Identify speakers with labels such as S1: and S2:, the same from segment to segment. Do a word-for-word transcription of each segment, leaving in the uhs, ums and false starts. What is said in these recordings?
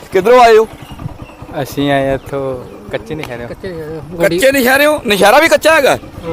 S1: ਕਿੱਧਰੋਂ ਆਏ ਹੋ?
S2: ਅਸੀਂ ਆਏ ਇੱਥੋਂ ਕੱਚੇ ਨਸ਼ਹਿਰੇ।
S1: ਕੱਚੇ ਨਸ਼ਹਿਰੇ ਹੋ? ਨਸ਼ਹਿਰਾ ਵੀ ਕੱਚਾ ਹੈਗਾ?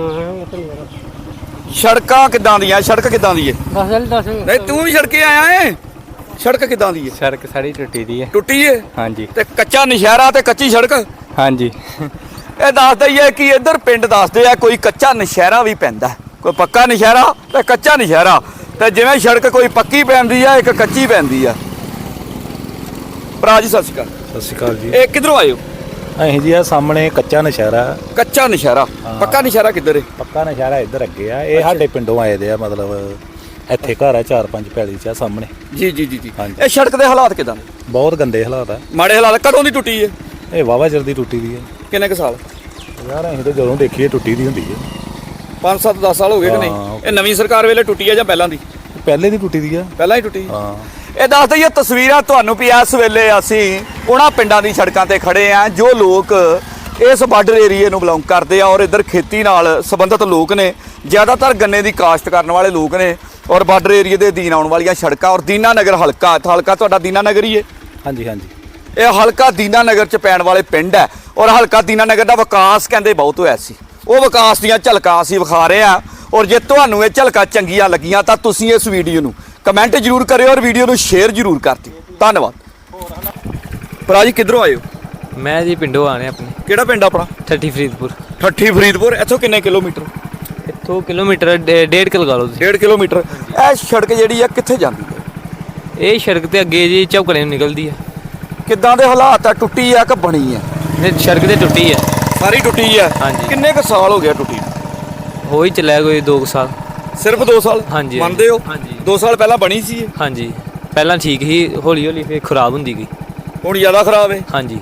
S1: ਸੜਕਾਂ ਕਿੱਦਾਂ ਦੀਆਂ? ਸੜਕ ਕਿੱਦਾਂ ਦੀ ਹੈ? ਨਹੀਂ ਤੂੰ ਵੀ ਸੜਕੇ ਆਇਆ ਏ। ਸੜਕ ਕਿੱਦਾਂ ਦੀ ਹੈ?
S2: ਸੜਕ ਸਾਰੀ ਟੁੱਟੀ ਦੀ ਹੈ।
S1: ਟੁੱਟੀ ਏ?
S2: ਹਾਂਜੀ।
S1: ਤੇ ਕੱਚਾ ਨਸ਼ਹਿਰਾ ਤੇ ਕੱਚੀ ਸੜਕ?
S2: ਹਾਂਜੀ।
S1: ਇਹ ਦੱਸਦਾ ਹੀ ਹੈ ਕਿ ਇੱਧਰ ਪਿੰਡ ਦੱਸਦੇ ਆ ਕੋਈ ਕੱਚਾ ਨਸ਼ਹਿਰਾ ਵੀ ਪੈਂਦਾ, ਕੋਈ ਪੱਕਾ ਨਸ਼ਹਿਰਾ ਤੇ ਕੱਚਾ ਨਸ਼ਹਿਰਾ। ਤੇ ਜਿਵੇਂ ਸੜਕ ਕੋਈ ਪੱਕੀ ਪੈਂਦੀ ਆ, ਇੱਕ ਕੱਚੀ ਪੈਂਦੀ ਆ। ਭਰਾ ਜੀ ਸਤਿ ਸ਼੍ਰੀ ਅਕਾਲ।
S3: ਸਤਿ ਸ਼੍ਰੀ ਅਕਾਲ ਜੀ।
S1: ਇਹ ਕਿੱਧਰੋਂ ਆਏ ਹੋ?
S3: ਅਸੀਂ ਜੀ ਆ ਸਾਹਮਣੇ ਕੱਚਾ ਨਸ਼ਹਿਰਾ।
S1: ਕੱਚਾ ਨਸ਼ਹਿਰਾ। ਪੱਕਾ ਨਸ਼ਹਿਰਾ ਕਿੱਧਰ ਹੈ?
S3: ਪੱਕਾ ਨਸ਼ਹਿਰਾ ਇੱਧਰ ਅੱਗੇ ਆ। ਇਹ ਸਾਡੇ ਪਿੰਡੋਂ ਆਏ ਦੇ ਆ, ਮਤਲਬ ਇੱਥੇ ਘਰ ਆ ਚਾਰ ਪੰਜ ਪੈਲੀ ਚ ਆ ਸਾਹਮਣੇ।
S1: ਜੀ ਜੀ ਜੀ ਜੀ। ਇਹ ਸੜਕ ਦੇ ਹਾਲਾਤ ਕਿਦਾਂ ਨੇ?
S3: ਬਹੁਤ ਗੰਦੇ ਹਾਲਾਤ ਆ।
S1: ਮਾੜੇ ਹਾਲਾਤ। ਕਦੋਂ ਦੀ ਟੁੱਟੀ ਹੈ?
S3: ਇਹ ਵਾਵਾ ਚਿਰ ਦੀ ਟੁੱਟੀ ਦੀ ਹੈ।
S1: ਕਿੰਨੇ ਕੁ ਸਾਲ?
S3: ਯਾਰ ਅਸੀਂ ਤਾਂ ਜਦੋਂ ਦੇਖੀਏ ਟੁੱਟੀ ਦੀ ਹੁੰਦੀ ਹੈ।
S1: ਪੰਜ ਸੱਤ ਦਸ ਸਾਲ ਹੋ ਗਏ ਕਿ ਨਹੀਂ? ਇਹ ਨਵੀਂ ਸਰਕਾਰ ਵੇਲੇ ਟੁੱਟੀ ਹੈ ਜਾਂ ਪਹਿਲਾਂ ਦੀ?
S3: ਪਹਿਲੇ ਦੀ ਟੁੱਟੀ ਦੀ ਆ।
S1: ਪਹਿਲਾਂ ਹੀ ਟੁੱਟੀ।
S3: ਹਾਂ।
S1: ਇਹ ਦੱਸ ਦਈਏ ਤਸਵੀਰਾਂ ਤੁਹਾਨੂੰ ਵੀ ਇਸ ਵੇਲੇ ਅਸੀਂ ਉਹਨਾਂ ਪਿੰਡਾਂ ਦੀ ਸੜਕਾਂ ਤੇ ਖੜੇ ਆ ਜੋ ਲੋਕ ਇਸ ਬਾਰਡਰ ਏਰੀਏ ਨੂੰ ਬਿਲੋਂਗ ਕਰਦੇ ਆ ਔਰ ਇੱਧਰ ਖੇਤੀ ਨਾਲ ਸੰਬੰਧਿਤ ਲੋਕ ਨੇ। ਜ਼ਿਆਦਾਤਰ ਗੰਨੇ ਦੀ ਕਾਸ਼ਤ ਕਰਨ ਵਾਲੇ ਲੋਕ ਨੇ ਔਰ ਬਾਰਡਰ ਏਰੀਏ ਦੇ ਅਧੀਨ ਆਉਣ ਵਾਲੀਆਂ ਸੜਕਾਂ ਔਰ ਦੀਨਾ ਨਗਰ ਹਲਕਾ ਹਲਕਾ ਤੁਹਾਡਾ ਦੀਨਾ ਨਗਰ ਹੀ ਹੈ?
S3: ਹਾਂਜੀ ਹਾਂਜੀ।
S1: ਇਹ ਹਲਕਾ ਦੀਨਾ ਨਗਰ ਚ ਪੈਣ ਵਾਲੇ ਪਿੰਡ ਹੈ ਔਰ ਹਲਕਾ ਦੀਨਾ ਨਗਰ ਦਾ ਵਿਕਾਸ ਕਹਿੰਦੇ ਬਹੁਤ ਹੋਇਆ ਸੀ। ਉਹ ਵਿਕਾਸ ਦੀਆਂ ਝਲਕਾਂ ਅਸੀਂ ਵਿਖਾ ਰਹੇ ਹਾਂ ਔਰ ਜੇ ਤੁਹਾਨੂੰ ਇਹ ਝਲਕਾਂ ਚੰਗੀਆਂ ਲੱਗੀਆਂ ਤਾਂ ਤੁਸੀਂ ਇਸ ਵੀਡੀਓ ਨੂੰ ਕਮੈਂਟ ਜ਼ਰੂਰ ਕਰਿਓ ਔਰ ਵੀਡੀਓ ਨੂੰ ਸ਼ੇਅਰ ਜ਼ਰੂਰ ਕਰ ਦਿਓ। ਧੰਨਵਾਦ। ਭਰਾ ਜੀ ਕਿੱਧਰੋਂ ਆਏ ਹੋ?
S2: ਮੈਂ ਜੀ ਪਿੰਡੋਂ ਆਣੇ ਆਪਣੇ।
S1: ਕਿਹੜਾ ਪਿੰਡ ਆਪਣਾ?
S2: ਠੱਠੀ ਫਰੀਦਪੁਰ।
S1: ਠੱਠੀ ਫਰੀਦਪੁਰ। ਇੱਥੋਂ ਕਿੰਨੇ ਕਿਲੋਮੀਟਰ?
S2: ਇੱਥੋਂ ਕਿਲੋਮੀਟਰ ਡੇਢ ਕਿ ਲਗਾ ਲਓ ਤੁਸੀਂ।
S1: ਡੇਢ ਕਿਲੋਮੀਟਰ। ਇਹ ਸੜਕ ਜਿਹੜੀ ਆ ਕਿੱਥੇ ਜਾਂਦੀ ਹੈ?
S2: ਇਹ ਸੜਕ ਤੇ ਅੱਗੇ ਜੀ ਝੌਕੜੇ ਨੂੰ ਨਿਕਲਦੀ ਹੈ।
S1: ਕਿੱਦਾਂ ਦੇ ਹਾਲਾਤ ਆ? ਟੁੱਟੀ ਆ ਕਿ ਬਣੀ ਆ?
S2: ਇਹ ਸੜਕ ਤੇ ਟੁੱਟੀ ਹੈ।
S1: ਸਾਰੀ ਟੁੱਟੀ ਆ?
S2: ਹਾਂਜੀ।
S1: ਕਿੰਨੇ ਕੁ ਸਾਲ ਹੋ ਗਿਆ ਟੁੱਟੀ?
S2: ਹੋ ਹੀ ਚੱਲਿਆ ਕੋਈ ਦੋ ਕੁ ਸਾਲ।
S1: ਸਿਰਫ ਦੋ ਸਾਲ?
S2: ਹਾਂਜੀ।
S1: ਮੰਨਦੇ ਹੋ?
S2: ਹਾਂਜੀ।
S1: ਦੋ ਸਾਲ ਪਹਿਲਾਂ ਬਣੀ ਸੀ ਇਹ?
S2: ਹਾਂਜੀ। ਪਹਿਲਾਂ ਠੀਕ ਸੀ, ਹੌਲੀ ਹੌਲੀ ਫਿਰ ਖਰਾਬ ਹੁੰਦੀ ਗਈ।
S1: ਹੁਣ ਜ਼ਿਆਦਾ ਖਰਾਬ ਹੈ?
S2: ਹਾਂਜੀ।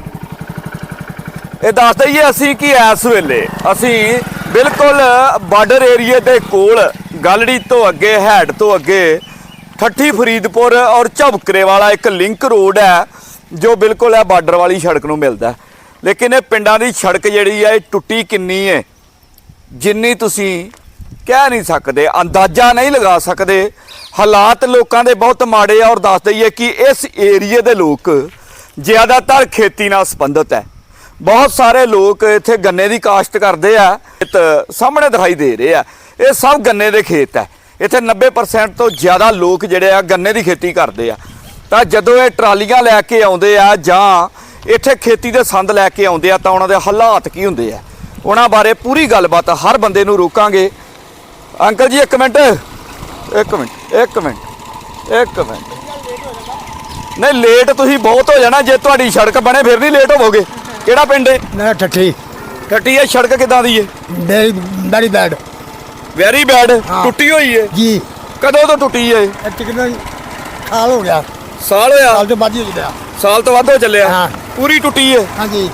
S1: ਇਹ ਦੱਸ ਦਈਏ ਅਸੀਂ ਕਿ ਇਸ ਵੇਲੇ ਅਸੀਂ ਬਿਲਕੁਲ ਬਾਰਡਰ ਏਰੀਏ ਦੇ ਕੋਲ ਗਲੜੀ ਤੋਂ ਅੱਗੇ ਹੈਡ ਤੋਂ ਅੱਗੇ ਠੱਠੀ ਫਰੀਦਪੁਰ ਔਰ ਝਬਕਰੇ ਵਾਲਾ ਇੱਕ ਲਿੰਕ ਰੋਡ ਹੈ ਜੋ ਬਿਲਕੁਲ ਹੈ ਬਾਰਡਰ ਵਾਲੀ ਸੜਕ ਨੂੰ ਮਿਲਦਾ। ਲੇਕਿਨ ਇਹ ਪਿੰਡਾਂ ਦੀ ਸੜਕ ਜਿਹੜੀ ਹੈ ਇਹ ਟੁੱਟੀ ਕਿੰਨੀ ਹੈ ਜਿੰਨੀ ਤੁਸੀਂ ਕਹਿ ਨਹੀਂ ਸਕਦੇ, ਅੰਦਾਜ਼ਾ ਨਹੀਂ ਲਗਾ ਸਕਦੇ। ਹਾਲਾਤ ਲੋਕਾਂ ਦੇ ਬਹੁਤ ਮਾੜੇ ਆ ਔਰ ਦੱਸ ਦਈਏ ਕਿ ਇਸ ਏਰੀਏ ਦੇ ਲੋਕ ਜ਼ਿਆਦਾਤਰ ਖੇਤੀ ਨਾਲ ਸੰਬੰਧਿਤ ਹੈ। ਬਹੁਤ ਸਾਰੇ ਲੋਕ ਇੱਥੇ ਗੰਨੇ ਦੀ ਕਾਸ਼ਤ ਕਰਦੇ ਆ। ਸਾਹਮਣੇ ਦਿਖਾਈ ਦੇ ਰਹੇ ਆ ਇਹ ਸਭ ਗੰਨੇ ਦੇ ਖੇਤ ਹੈ। ਇੱਥੇ ਨੱਬੇ ਪਰਸੈਂਟ ਤੋਂ ਜ਼ਿਆਦਾ ਲੋਕ ਜਿਹੜੇ ਆ ਗੰਨੇ ਦੀ ਖੇਤੀ ਕਰਦੇ ਆ। ਤਾਂ ਜਦੋਂ ਇਹ ਟਰਾਲੀਆਂ ਲੈ ਕੇ ਆਉਂਦੇ ਆ ਜਾਂ ਇੱਥੇ ਖੇਤੀ ਦੇ ਸੰਦ ਲੈ ਕੇ ਆਉਂਦੇ ਆ ਤਾਂ ਉਹਨਾਂ ਦੇ ਹਾਲਾਤ ਕੀ ਹੁੰਦੇ ਆ ਉਹਨਾਂ ਬਾਰੇ ਪੂਰੀ ਗੱਲਬਾਤ ਹਰ ਬੰਦੇ ਨੂੰ ਰੋਕਾਂਗੇ। ਅੰਕਲ ਜੀ ਇੱਕ ਮਿੰਟ ਇੱਕ ਮਿੰਟ ਇੱਕ ਮਿੰਟ ਇੱਕ ਮਿੰਟ ਨਹੀਂ ਲੇਟ ਤੁਸੀਂ ਬਹੁਤ ਹੋ ਜਾਣਾ। ਜੇ ਤੁਹਾਡੀ ਸੜਕ ਬਣੇ ਫਿਰ ਨਹੀਂ ਲੇਟ ਹੋਵੋਗੇ। ਕਿਹੜਾ ਪਿੰਡ ਹੈ?
S4: ਨਾ ਠੱਠੀ।
S1: ਠੱਠੀ ਹੈ। ਸੜਕ ਕਿਦਾਂ ਦੀ ਹੈ?
S4: Very bad.
S1: Very bad. ਟੁੱਟੀ ਹੋਈ ਹੈ
S4: ਜੀ।
S1: ਕਦੋਂ ਤੋਂ ਟੁੱਟੀ ਹੈ?
S4: ਤਕਰੀਬਨ ਸਾਲ ਹੋ ਗਿਆ।
S1: ਸਾਲ ਹੋਇਆ?
S4: ਸਾਲ ਤੋਂ ਵੱਧ ਹੀ ਹੋ ਗਿਆ।
S1: ਸਾਲ ਤੋਂ ਵੱਧ ਹੋ ਚੱਲਿਆ।
S4: ਹਾਂ।
S1: ਪੂਰੀ ਟੁੱਟੀ ਹੈ?
S4: ਹਾਂਜੀ।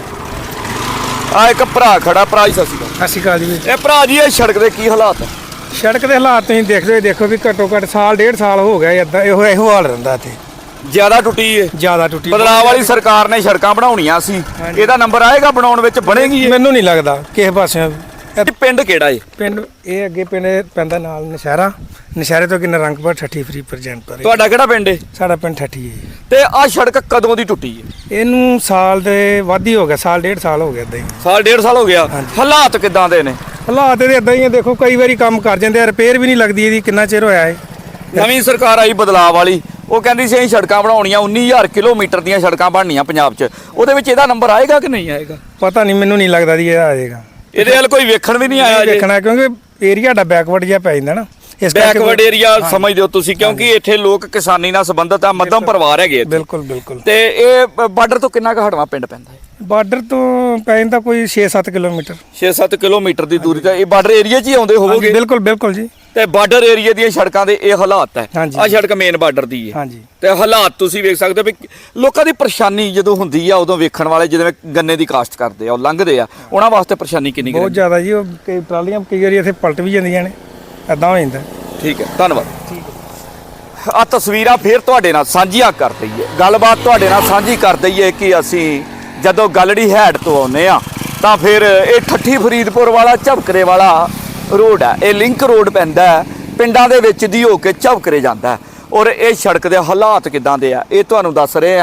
S1: ਆ ਇੱਕ ਭਰਾ ਖੜਾ। ਭਰਾ ਜੀ ਸਤਿ ਸ਼੍ਰੀ ਅਕਾਲ।
S5: ਸਤਿ ਸ਼੍ਰੀ ਅਕਾਲ ਜੀ।
S1: ਇਹ ਭਰਾ ਜੀ ਇਹ ਸੜਕ ਦੇ ਕੀ ਹਾਲਾਤ ਹੈ?
S5: ਸੜਕ ਦੇ ਹਾਲਾਤ ਤੁਸੀਂ ਦੇਖਦੇ ਹੋ, ਦੇਖੋ ਵੀ ਘੱਟੋ ਘੱਟ ਸਾਲ ਡੇਢ ਸਾਲ ਹੋ ਗਿਆ ਇਦਾਂ ਇਹੋ ਇਹੋ ਹਾਲ ਰਹਿੰਦਾ ਇੱਥੇ।
S1: ਜ਼ਿਆਦਾ ਟੁੱਟੀ ਹੈ?
S5: ਜ਼ਿਆਦਾ ਟੁੱਟੀ।
S1: ਬਦਲਾਅ ਵਾਲੀ ਸਰਕਾਰ ਨੇ ਸੜਕਾਂ ਬਣਾਉਣੀਆਂ ਸੀ। ਇਹਦਾ ਨੰਬਰ ਆਏਗਾ ਬਣਾਉਣ ਵਿੱਚ? ਬਣੇਗੀ?
S5: ਮੈਨੂੰ ਨਹੀਂ ਲੱਗਦਾ ਕਿਸੇ ਪਾਸਿਓਂ।
S1: ਇਹ ਪਿੰਡ ਕਿਹੜਾ ਹੈ?
S5: ਪਿੰਡ ਇਹ ਅੱਗੇ ਪਿੰਡ ਪੈਂਦਾ ਨਾਲ ਨਸ਼ਹਿਰਾ। ਨਸ਼ਹਿਰੇ ਤੋਂ ਕਿੰਨਾ ਰੰਗਪੁਰ ਠੱਠੀ ਫਰੀ ਪ੍ਰਜੈਂਟ।
S1: ਤੁਹਾਡਾ ਕਿਹੜਾ ਪਿੰਡ ਹੈ?
S5: ਸਾਡਾ ਪਿੰਡ ਠੱਠੀ ਹੈ।
S1: ਤੇ ਆਹ ਸੜਕ ਕਦੋਂ ਦੀ ਟੁੱਟੀ ਹੈ?
S5: ਇਹਨੂੰ ਸਾਲ ਦੇ ਵੱਧ ਹੀ ਹੋ ਗਿਆ। ਸਾਲ ਡੇਢ ਸਾਲ ਹੋ ਗਿਆ ਇਦਾਂ ਹੀ।
S1: ਸਾਲ ਡੇਢ ਸਾਲ ਹੋ ਗਿਆ। ਹਾਲਾਤ ਕਿਦਾਂ ਦੇ ਨੇ?
S5: ਹਾਲਾਤ ਇਹਦੇ ਇਦਾਂ ਹੀ ਆ। ਦੇਖੋ ਕਈ ਵਾਰੀ ਕੰਮ ਕਰ ਜਾਂਦੇ ਆ, ਰਿਪੇਅਰ ਵੀ ਨਹੀਂ ਲੱਗਦੀ ਇਹਦੀ। ਕਿੰਨਾ ਚਿਰ ਹੋਇਆ ਹੈ?
S1: ਨਵੀਂ ਸਰਕਾਰ ਆਈ ਬਦਲਾਅ ਵਾਲੀ, ਉਹ ਕਹਿੰਦੀ ਸੀ ਅਸੀਂ ਸੜਕਾਂ ਬਣਾਉਣੀਆਂ ਉੱਨੀ ਹਜ਼ਾਰ ਕਿਲੋਮੀਟਰ ਦੀਆਂ ਸੜਕਾਂ ਬਣਨੀਆਂ ਪੰਜਾਬ 'ਚ। ਉਹਦੇ ਵਿੱਚ ਇਹਦਾ ਨੰਬਰ ਆਏਗਾ ਕਿ ਨਹੀਂ ਆਏਗਾ?
S5: ਪਤਾ ਨਹੀਂ, ਮੈਨੂੰ ਨਹੀਂ ਲੱਗਦਾ ਜੀ ਇਹ ਆ ਜਾਏਗਾ।
S1: ਇਹਦੇ ਵੱਲ ਕੋਈ ਵੇਖਣ ਵੀ ਨਹੀਂ ਆਇਆ ਜੀ।
S5: ਦੇਖਣਾ ਕਿਉਂਕਿ ਏਰੀਆ ਦਾ ਬੈਕਵਰਡ ਜਿਹਾ ਪੈ ਜਾਂਦਾ ਨਾ। ਇਸ
S1: ਬੈਕਵਰਡ ਏਰੀਆ ਸਮਝਦੇ ਹੋ ਤੁਸੀਂ ਕਿਉਂਕਿ ਇੱਥੇ ਲੋਕ ਕਿਸਾਨੀ ਨਾਲ ਸੰਬੰਧਿਤ ਆ। ਮੱਧਮ ਪਰਿਵਾਰ ਹੈਗੇ।
S5: ਬਿਲਕੁਲ ਬਿਲਕੁਲ।
S1: ਤੇ ਇਹ ਬਾਰਡਰ ਤੋਂ ਕਿੰਨਾ ਕੁ ਹਟਵਾ ਪਿੰਡ ਪੈਂਦਾ ਹੈ?
S5: ਬਾਰਡਰ ਤੋਂ ਪੈ ਜਾਂਦਾ ਕੋਈ ਛੇ ਸੱਤ ਕਿਲੋਮੀਟਰ।
S1: ਛੇ ਸੱਤ ਕਿਲੋਮੀਟਰ ਦੀ ਦੂਰੀ ਤੇ ਇਹ ਬਾਰਡਰ ਏਰੀਆ 'ਚ ਹੀ ਆਉਂਦੇ ਹੋਵੋਗੇ?
S5: ਬਿਲਕੁਲ ਬਿਲਕੁਲ ਜੀ।
S1: ਤੇ ਬਾਰਡਰ ਏਰੀਆ ਦੀਆਂ ਸੜਕਾਂ ਦੇ ਇਹ ਹਾਲਾਤ ਹੈ। ਆਹ ਸੜਕ ਮੇਨ ਬਾਰਡਰ ਦੀ ਹੈ।
S5: ਹਾਂਜੀ।
S1: ਤੇ ਹਾਲਾਤ ਤੁਸੀਂ ਵੇਖ ਸਕਦੇ ਹੋ ਵੀ ਲੋਕਾਂ ਦੀ ਪਰੇਸ਼ਾਨੀ ਜਦੋਂ ਹੁੰਦੀ ਆ ਉਦੋਂ ਵੇਖਣ ਵਾਲੇ ਜਿਵੇਂ ਗੰਨੇ ਦੀ ਕਾਸ਼ਤ ਕਰਦੇ ਆ ਉਹ ਲੰਘਦੇ ਆ ਉਹਨਾਂ ਵਾਸਤੇ ਪਰੇਸ਼ਾਨੀ ਕਿੰਨੀ
S5: ਬਹੁਤ ਜ਼ਿਆਦਾ ਜੀ। ਉਹ ਕਈ ਟਰਾਲੀਆਂ ਕਈ ਵਾਰੀ ਇੱਥੇ ਪਲਟ ਵੀ ਜਾਂਦੀਆਂ ਨੇ, ਐਦਾਂ ਹੋ ਜਾਂਦਾ।
S1: ਠੀਕ ਹੈ, ਧੰਨਵਾਦ। ਠੀਕ ਹੈ। ਆ ਤਸਵੀਰਾਂ ਫਿਰ ਤੁਹਾਡੇ ਨਾਲ ਸਾਂਝੀਆਂ ਕਰ ਦਈਏ, ਗੱਲਬਾਤ ਤੁਹਾਡੇ ਨਾਲ ਸਾਂਝੀ ਕਰ ਦਈਏ ਕਿ ਅਸੀਂ ਜਦੋਂ ਗਲੜੀ ਹੈਡ ਤੋਂ ਆਉਂਦੇ ਆ ਤਾਂ ਫਿਰ ਇਹ ਠੱਠੀ ਫਰੀਦਪੁਰ ਵਾਲਾ ਝਬਕਰੇ ਵਾਲਾ ਰੋਡ ਹੈ। ਇਹ ਲਿੰਕ ਰੋਡ ਪੈਂਦਾ ਹੈ ਪਿੰਡਾਂ ਦੇ ਵਿੱਚ ਦੀ ਹੋ ਕੇ ਝਬਕਰੇ ਜਾਂਦਾ ਔਰ ਇਹ ਸੜਕ ਦੇ ਹਾਲਾਤ ਕਿਦਾਂ ਦੇ ਆ ਇਹ ਤੁਹਾਨੂੰ ਦੱਸ ਰਹੇ ਆ।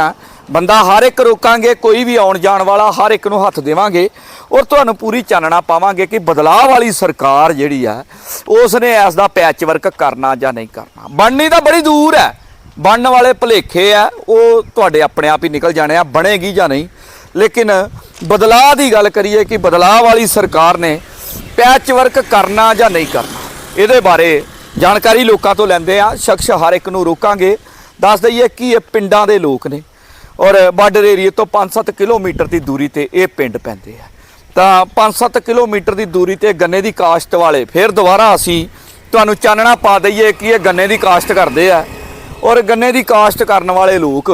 S1: ਬੰਦਾ ਹਰ ਇੱਕ ਰੋਕਾਂਗੇ, ਕੋਈ ਵੀ ਆਉਣ ਜਾਣ ਵਾਲਾ ਹਰ ਇੱਕ ਨੂੰ ਹੱਥ ਦੇਵਾਂਗੇ ਔਰ ਤੁਹਾਨੂੰ ਪੂਰੀ ਚਾਨਣਾ ਪਾਵਾਂਗੇ ਕਿ ਬਦਲਾਅ ਵਾਲੀ ਸਰਕਾਰ ਜਿਹੜੀ ਆ ਉਸ ਨੇ ਇਸ ਦਾ ਪੈਚ ਵਰਕ ਕਰਨਾ ਜਾਂ ਨਹੀਂ ਕਰਨਾ। ਬਣਨੀ ਤਾਂ ਬੜੀ ਦੂਰ ਹੈ, ਬਣਨ ਵਾਲੇ ਭੁਲੇਖੇ ਆ ਉਹ ਤੁਹਾਡੇ ਆਪਣੇ ਆਪ ਹੀ ਨਿਕਲ ਜਾਣੇ ਆ, ਬਣੇਗੀ ਜਾਂ ਨਹੀਂ। ਲੇਕਿਨ ਬਦਲਾਅ ਦੀ ਗੱਲ ਕਰੀਏ ਕਿ ਬਦਲਾਅ ਵਾਲੀ ਸਰਕਾਰ ਨੇ ਪੈਚ ਵਰਕ ਕਰਨਾ ਜਾਂ ਨਹੀਂ ਕਰਨਾ, ਇਹਦੇ ਬਾਰੇ ਜਾਣਕਾਰੀ ਲੋਕਾਂ ਤੋਂ ਲੈਂਦੇ ਆ। ਸ਼ਖਸ ਹਰ ਇੱਕ ਨੂੰ ਰੋਕਾਂਗੇ। ਦੱਸ ਦਈਏ ਕਿ ਇਹ ਪਿੰਡਾਂ ਦੇ ਲੋਕ ਨੇ ਔਰ ਬਾਰਡਰ ਏਰੀਏ ਤੋਂ ਪੰਜ ਸੱਤ ਕਿਲੋਮੀਟਰ ਦੀ ਦੂਰੀ ਤੇ ਇਹ ਪਿੰਡ ਪੈਂਦੇ ਆ। ਤਾਂ ਪੰਜ ਸੱਤ ਕਿਲੋਮੀਟਰ ਦੀ ਦੂਰੀ ਤੇ ਗੰਨੇ ਦੀ ਕਾਸ਼ਤ ਵਾਲੇ, ਫਿਰ ਦੁਬਾਰਾ ਅਸੀਂ ਤੁਹਾਨੂੰ ਚਾਨਣਾ ਪਾ ਦਈਏ ਕਿ ਇਹ ਗੰਨੇ ਦੀ ਕਾਸ਼ਤ ਕਰਦੇ ਆ ਔਰ ਗੰਨੇ ਦੀ ਕਾਸ਼ਤ ਕਰਨ ਵਾਲੇ ਲੋਕ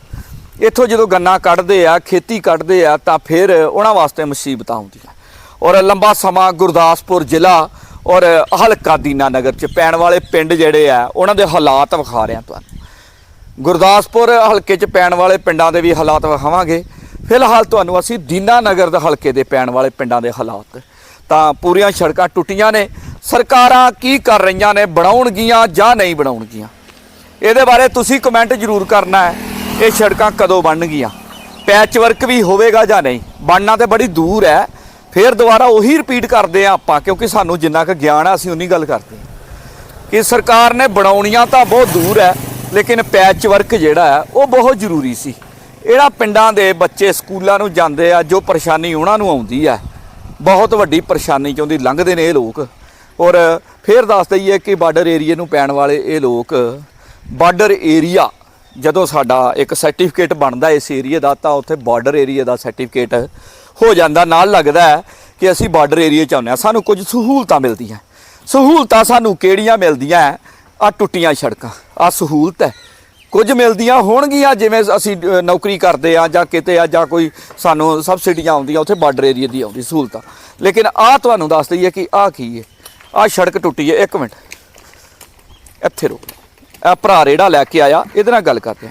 S1: ਇੱਥੋਂ ਜਦੋਂ ਗੰਨਾ ਕੱਢਦੇ ਆ, ਖੇਤੀ ਕੱਢਦੇ ਆ, ਤਾਂ ਫਿਰ ਉਹਨਾਂ ਵਾਸਤੇ ਮੁਸੀਬਤਾਂ ਆਉਂਦੀਆਂ ਔਰ ਲੰਬਾ ਸਮਾਂ ਗੁਰਦਾਸਪੁਰ ਜ਼ਿਲ੍ਹਾ ਔਰ ਹਲਕਾ ਦੀਨਾ ਨਗਰ 'ਚ ਪੈਣ ਵਾਲੇ ਪਿੰਡ ਜਿਹੜੇ ਆ ਉਹਨਾਂ ਦੇ ਹਾਲਾਤ ਵਿਖਾ ਰਿਹਾ ਤੁਹਾਨੂੰ। ਗੁਰਦਾਸਪੁਰ ਹਲਕੇ 'ਚ ਪੈਣ ਵਾਲੇ ਪਿੰਡਾਂ ਦੇ ਵੀ ਹਾਲਾਤ ਵਿਖਾਵਾਂਗੇ। ਫਿਲਹਾਲ ਤੁਹਾਨੂੰ ਅਸੀਂ ਦੀਨਾ ਨਗਰ ਦੇ ਹਲਕੇ ਦੇ ਪੈਣ ਵਾਲੇ ਪਿੰਡਾਂ ਦੇ ਹਾਲਾਤ, ਤਾਂ ਪੂਰੀਆਂ ਸੜਕਾਂ ਟੁੱਟੀਆਂ ਨੇ। ਸਰਕਾਰਾਂ ਕੀ ਕਰ ਰਹੀਆਂ ਨੇ, ਬਣਾਉਣਗੀਆਂ ਜਾਂ ਨਹੀਂ ਬਣਾਉਣਗੀਆਂ, ਇਹਦੇ ਬਾਰੇ ਤੁਸੀਂ ਕਮੈਂਟ ਜ਼ਰੂਰ ਕਰਨਾ ਹੈ। ਇਹ ਸੜਕਾਂ ਕਦੋਂ ਬਣਨਗੀਆਂ, ਪੈਚ ਵਰਕ ਵੀ ਹੋਵੇਗਾ ਜਾਂ ਨਹੀਂ, ਬਣਨਾ ਤੇ ਬੜੀ ਦੂਰ ਹੈ। ਫਿਰ ਦੁਬਾਰਾ ਉਹੀ ਰਿਪੀਟ ਕਰਦੇ ਆ ਆਪਾਂ, ਕਿਉਂਕਿ ਸਾਨੂੰ ਜਿੰਨਾ ਕੁ ਗਿਆਨ ਆ ਅਸੀਂ ਉਨੀ ਗੱਲ ਕਰਦੇ ਹਾਂ ਕਿ ਸਰਕਾਰ ਨੇ ਬਣਾਉਣੀਆਂ ਤਾਂ ਬਹੁਤ ਦੂਰ ਹੈ, ਲੇਕਿਨ ਪੈਚ ਵਰਕ ਜਿਹੜਾ ਹੈ ਉਹ ਬਹੁਤ ਜ਼ਰੂਰੀ ਸੀ। ਜਿਹੜਾ ਪਿੰਡਾਂ ਦੇ ਬੱਚੇ ਸਕੂਲਾਂ ਨੂੰ ਜਾਂਦੇ ਆ, ਜੋ ਪਰੇਸ਼ਾਨੀ ਉਹਨਾਂ ਨੂੰ ਆਉਂਦੀ ਹੈ, ਬਹੁਤ ਵੱਡੀ ਪਰੇਸ਼ਾਨੀ ਚੋਂ ਦੀ ਲੰਘਦੇ ਨੇ ਇਹ ਲੋਕ। ਔਰ ਫਿਰ ਦੱਸ ਦਈਏ ਕਿ ਬਾਰਡਰ ਏਰੀਏ ਨੂੰ ਪੈਣ ਵਾਲੇ ਇਹ ਲੋਕ, ਬਾਰਡਰ ਏਰੀਆ ਜਦੋਂ ਸਾਡਾ ਇੱਕ ਸਰਟੀਫਿਕੇਟ ਬਣਦਾ ਇਸ ਏਰੀਏ ਦਾ, ਤਾਂ ਉੱਥੇ ਬਾਰਡਰ ਏਰੀਏ ਦਾ ਸਰਟੀਫਿਕੇਟ ਹੋ ਜਾਂਦਾ। ਨਾਲ ਲੱਗਦਾ ਹੈ ਕਿ ਅਸੀਂ ਬਾਰਡਰ ਏਰੀਏ 'ਚ ਆਉਂਦੇ ਹਾਂ, ਸਾਨੂੰ ਕੁਝ ਸਹੂਲਤਾਂ ਮਿਲਦੀਆਂ। ਸਹੂਲਤਾਂ ਸਾਨੂੰ ਕਿਹੜੀਆਂ ਮਿਲਦੀਆਂ? ਆ ਟੁੱਟੀਆਂ ਸੜਕਾਂ, ਆ ਸਹੂਲਤ ਹੈ। ਕੁਝ ਮਿਲਦੀਆਂ ਹੋਣਗੀਆਂ ਜਿਵੇਂ ਅਸੀਂ ਨੌਕਰੀ ਕਰਦੇ ਆ ਜਾਂ ਕਿਤੇ ਆ ਜਾਂ ਕੋਈ ਸਾਨੂੰ ਸਬਸਿਡੀਆਂ ਆਉਂਦੀਆਂ, ਉੱਥੇ ਬਾਰਡਰ ਏਰੀਏ ਦੀ ਆਉਂਦੀ ਸਹੂਲਤਾਂ। ਲੇਕਿਨ ਆਹ ਤੁਹਾਨੂੰ ਦੱਸ ਦਈਏ ਕਿ ਆਹ ਕੀ ਹੈ। ਆਹ ਸੜਕ ਟੁੱਟੀ ਹੈ। ਇੱਕ ਮਿੰਟ ਇੱਥੇ ਰੁਕ, ਇਹ ਭਰਾ ਰੇੜਾ ਲੈ ਕੇ ਆਇਆ, ਇਹਦੇ ਨਾਲ ਗੱਲ ਕਰਦੇ ਆ।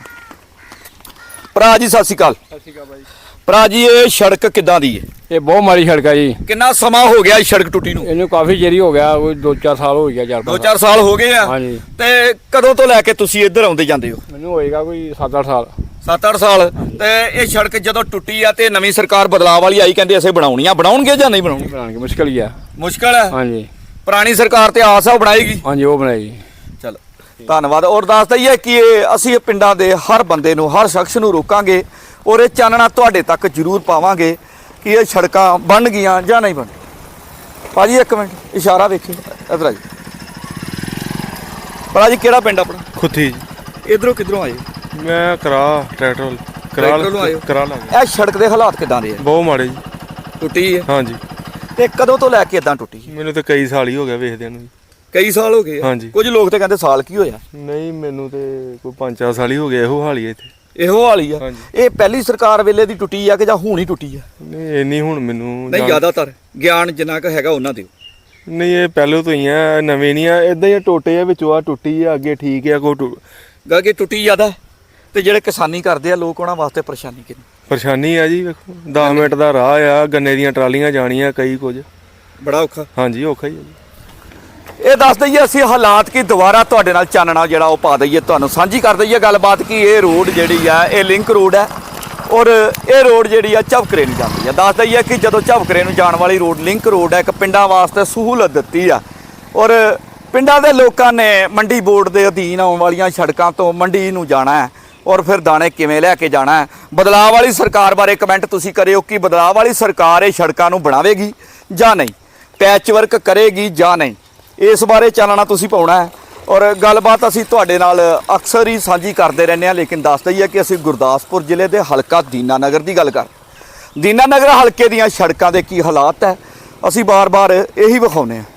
S1: ਭਰਾ ਜੀ ਸਤਿ ਸ਼੍ਰੀ ਅਕਾਲ।
S5: ਸਤਿ ਸ਼੍ਰੀ ਅਕਾਲ ਬਾਈ।
S1: ਭਰਾ ਜੀ ਇਹ ਸੜਕ ਕਿੱਦਾਂ ਦੀ ਹੈ?
S5: ਇਹ ਬਹੁਤ ਮਾੜੀ ਸੜਕ ਹੈ ਜੀ।
S1: ਕਿੰਨਾ ਸਮਾਂ ਹੋ ਗਿਆ ਇਸ ਸੜਕ ਟੁੱਟੀ ਨੂੰ?
S5: ਇਹਨੂੰ ਕਾਫੀ ਚਿਰ ਹੋ ਗਿਆ, ਕੋਈ ਦੋ ਚਾਰ ਸਾਲ ਹੋ ਗਿਆ। ਚਾਰ
S1: ਦੋ ਚਾਰ ਸਾਲ ਹੋ ਗਏ ਆ।
S5: ਹਾਂਜੀ।
S1: ਤੇ ਕਦੋਂ ਤੋਂ ਲੈ ਕੇ ਤੁਸੀਂ ਇੱਧਰ ਆਉਂਦੇ ਜਾਂਦੇ ਹੋ?
S5: ਮੈਨੂੰ ਹੋਏਗਾ ਕੋਈ ਸੱਤ ਅੱਠ ਸਾਲ।
S1: ਸੱਤ ਅੱਠ ਸਾਲ। ਤੇ ਇਹ ਸੜਕ ਜਦੋਂ ਟੁੱਟੀ ਆ ਤੇ ਨਵੀਂ ਸਰਕਾਰ ਬਦਲਾਅ ਵਾਲੀ ਆਈ, ਕਹਿੰਦੇ ਅਸੀਂ ਬਣਾਉਣੀਆਂ, ਬਣਾਉਣਗੇ ਜਾਂ ਨਹੀਂ ਬਣਾਉਣੀ?
S5: ਬਣਾਉਣਗੇ, ਮੁਸ਼ਕਲ ਹੀ ਆ।
S1: ਮੁਸ਼ਕਲ ਹੈ।
S5: ਹਾਂਜੀ।
S1: ਪੁਰਾਣੀ ਸਰਕਾਰ ਤੇ ਆਸ ਆ ਉਹ ਬਣਾਏਗੀ।
S5: ਹਾਂਜੀ, ਉਹ ਬਣਾਏਗੀ।
S1: ਚਲੋ ਧੰਨਵਾਦ। ਔਰ ਦੱਸ ਦਈਏ ਕਿ ਇਹ ਅਸੀਂ ਪਿੰਡਾਂ ਦੇ ਹਰ ਬੰਦੇ ਨੂੰ, ਹਰ ਸ਼ਖਸ ਨੂੰ ਰੋਕਾਂਗੇ ਔਰ ਇਹ ਚਾਨਣਾ ਤੁਹਾਡੇ ਤੱਕ ਜ਼ਰੂਰ ਪਾਵਾਂਗੇ ਕਿ ਇਹ ਸੜਕਾਂ ਬਣ ਗਈਆਂ ਜਾਂ ਨਹੀਂ ਬਣ। ਭਾਜੀ ਇੱਕ ਮਿੰਟ ਇਸ਼ਾਰਾ ਵੇਖੀ ਇਧਰ ਆ ਜੀ। ਭਰਾ ਜੀ ਕਿਹੜਾ ਪਿੰਡ ਆਪਣਾ?
S6: ਖੁੱਥੀ ਜੀ।
S1: ਇਧਰੋਂ ਕਿਧਰੋਂ ਆਏ?
S6: ਮੈਂ ਕਰਾ ਟਰੈਕਟਰ
S1: ਟਰੈਕਟਰ ਨੂੰ ਆਏ ਹੋ?
S6: ਕਰਾ ਲਾਂਗਾ।
S1: ਇਹ ਸੜਕ ਦੇ ਹਾਲਾਤ ਕਿਦਾਂ ਦੇ ਆ?
S6: ਬਹੁਤ ਮਾੜੇ ਜੀ।
S1: ਟੁੱਟੀ ਹੈ।
S6: ਹਾਂਜੀ।
S1: ਤੇ ਕਦੋਂ ਤੋਂ ਲੈ ਕੇ ਇਦਾਂ ਟੁੱਟੀ?
S6: ਮੈਨੂੰ ਤਾਂ ਕਈ ਸਾਲ ਹੀ ਹੋ ਗਿਆ ਵੇਖਦਿਆਂ ਨੂੰ ਜੀ।
S1: ਕਈ ਸਾਲ ਹੋ ਗਏ ਆ।
S6: ਹਾਂਜੀ।
S1: ਕੁਝ ਲੋਕ ਤੇ ਕਹਿੰਦੇ ਸਾਲ ਕੀ ਹੋਇਆ।
S6: ਨਹੀਂ, ਮੈਨੂੰ ਤੇ ਕੋਈ ਪੰਜ ਚਾਰ ਸਾਲ ਹੀ ਹੋ ਗਏ ਇਹੋ ਹਾਲ ਹੀ ਇੱਥੇ।
S1: ਇਹੋ ਹਾਲ ਹੀ ਆ।
S6: ਹਾਂਜੀ।
S1: ਇਹ ਪਹਿਲੀ ਸਰਕਾਰ ਵੇਲੇ ਦੀ ਟੁੱਟੀ ਆ ਕਿ ਜਾਂ ਹੁਣ ਹੀ ਟੁੱਟੀ ਆ?
S6: ਨਹੀਂ ਇੰਨੀ ਹੁਣ ਮੈਨੂੰ
S1: ਨਹੀਂ,
S6: ਜਾਣ-
S1: ਜ਼ਿਆਦਾਤਰ ਗਿਆਨ ਜਿੰਨਾ ਕੁ ਹੈਗਾ ਉਹਨਾਂ ਦਿਓ।
S6: ਨਹੀਂ, ਇਹ ਪਹਿਲੋਂ ਤੋਂ ਹੀ ਆ, ਨਵੇਂ ਨਹੀਂ ਆ। ਇਦਾਂ ਹੀ ਟੋਟੇ ਆ, ਵਿੱਚੋਂ ਆ ਟੁੱਟੀ ਆ, ਅੱਗੇ ਠੀਕ ਆ। ਕੋਈ ਟੁ-
S1: ਗਾ ਕਿ ਟੁੱਟੀ ਜ਼ਿਆਦਾ ਤੇ ਜਿਹੜੇ ਕਿਸਾਨੀ ਕਰਦੇ ਆ ਲੋਕ, ਉਹਨਾਂ ਵਾਸਤੇ ਪਰੇਸ਼ਾਨੀ ਕਿੰਨੀ।
S6: ਪਰੇਸ਼ਾਨੀ ਆ ਜੀ। ਵੇਖੋ ਦਸ ਮਿੰਟ ਦਾ ਰਾਹ ਆ, ਗੰਨੇ ਦੀਆਂ ਟਰਾਲੀਆਂ ਜਾਣੀਆਂ, ਕਈ ਕੁਝ।
S1: ਬੜਾ ਔਖਾ।
S6: ਹਾਂਜੀ, ਔਖਾ ਹੀ ਆ ਜੀ।
S1: ਇਹ ਦੱਸ ਦਈਏ ਅਸੀਂ ਹਾਲਾਤ ਕੀ ਦੁਬਾਰਾ ਤੁਹਾਡੇ ਨਾਲ ਚਾਨਣਾ ਜਿਹੜਾ ਉਹ ਪਾ ਦਈਏ, ਤੁਹਾਨੂੰ ਸਾਂਝੀ ਕਰ ਦਈਏ ਗੱਲਬਾਤ ਕਿ ਇਹ ਰੋਡ ਜਿਹੜੀ ਆ ਇਹ ਲਿੰਕ ਰੋਡ ਹੈ ਔਰ ਇਹ ਰੋਡ ਜਿਹੜੀ ਆ ਝਬਕਰੇ ਨੂੰ ਜਾਂਦੀ ਆ। ਦੱਸ ਦਈਏ ਕਿ ਜਦੋਂ ਝਬਕਰੇ ਨੂੰ ਜਾਣ ਵਾਲੀ ਰੋਡ ਲਿੰਕ ਰੋਡ ਹੈ, ਇੱਕ ਪਿੰਡਾਂ ਵਾਸਤੇ ਸਹੂਲਤ ਦਿੱਤੀ ਆ ਔਰ ਪਿੰਡਾਂ ਦੇ ਲੋਕਾਂ ਨੇ ਮੰਡੀ ਬੋਰਡ ਦੇ ਅਧੀਨ ਆਉਣ ਵਾਲੀਆਂ ਸੜਕਾਂ ਤੋਂ ਮੰਡੀ ਨੂੰ ਜਾਣਾ ਹੈ ਔਰ ਫਿਰ ਦਾਣੇ ਕਿਵੇਂ ਲੈ ਕੇ ਜਾਣਾ ਹੈ। ਬਦਲਾਅ ਵਾਲੀ ਸਰਕਾਰ ਬਾਰੇ ਕਮੈਂਟ ਤੁਸੀਂ ਕਰਿਓ ਕਿ ਬਦਲਾਅ ਵਾਲੀ ਸਰਕਾਰ ਇਹ ਸੜਕਾਂ ਨੂੰ ਬਣਾਵੇਗੀ ਜਾਂ ਨਹੀਂ, ਪੈਚ ਵਰਕ ਕਰੇਗੀ ਜਾਂ ਨਹੀਂ, ਇਸ ਬਾਰੇ ਚਾਨਣਾ ਤੁਸੀਂ ਪਾਉਣਾ ਹੈ। ਔਰ ਗੱਲਬਾਤ ਅਸੀਂ ਤੁਹਾਡੇ ਨਾਲ ਅਕਸਰ ਹੀ ਸਾਂਝੀ ਕਰਦੇ ਰਹਿੰਦੇ ਹਾਂ, ਲੇਕਿਨ ਦੱਸ ਦਈਏ ਕਿ ਅਸੀਂ ਗੁਰਦਾਸਪੁਰ ਜ਼ਿਲ੍ਹੇ ਦੇ ਹਲਕਾ ਦੀਨਾ ਨਗਰ ਦੀ ਗੱਲ ਕਰ ਦੀਨਾ ਨਗਰ ਹਲਕੇ ਦੀਆਂ ਸੜਕਾਂ ਦੇ ਕੀ ਹਾਲਾਤ ਹੈ, ਅਸੀਂ ਬਾਰ-ਬਾਰ ਇਹੀ ਵਿਖਾਉਂਦੇ ਹਾਂ।